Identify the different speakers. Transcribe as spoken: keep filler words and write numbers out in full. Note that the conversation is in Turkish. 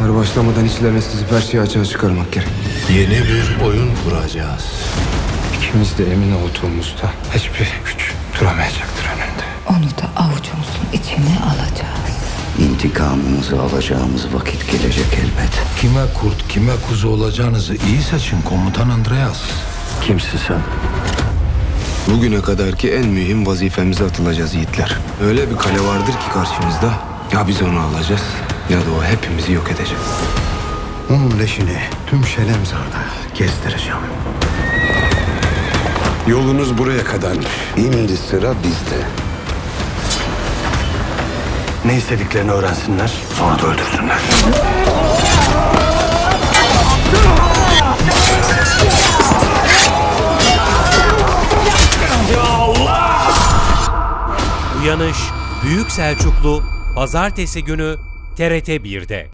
Speaker 1: Sefere başlamadan içlerine sızıp her şeyi açığa çıkarmak gerek.
Speaker 2: Yeni bir oyun kuracağız.
Speaker 1: İkimiz de emin olduğumuzda hiçbir güç duramayacaktır önünde.
Speaker 3: Onu da avucumuzun içine alacağız.
Speaker 4: İntikamımızı alacağımız vakit gelecek elbet.
Speaker 2: Kime kurt, kime kuzu olacağınızı iyi seçin komutan Andreas.
Speaker 4: Kimsin sen?
Speaker 1: Bugüne kadarki en mühim vazifemize atılacağız yiğitler. Öyle bir kale vardır ki karşımızda. Ya biz onu alacağız ya da o hepimizi yok edecek.
Speaker 5: Onun leşini tüm Şelemzar'da gezdireceğim.
Speaker 6: Yolunuz buraya kadarmış.
Speaker 5: Şimdi sıra bizde. Ne istediklerini öğrensinler, sonra da öldürsünler.
Speaker 7: Uyanış Büyük Selçuklu Pazartesi günü T R T bir'de.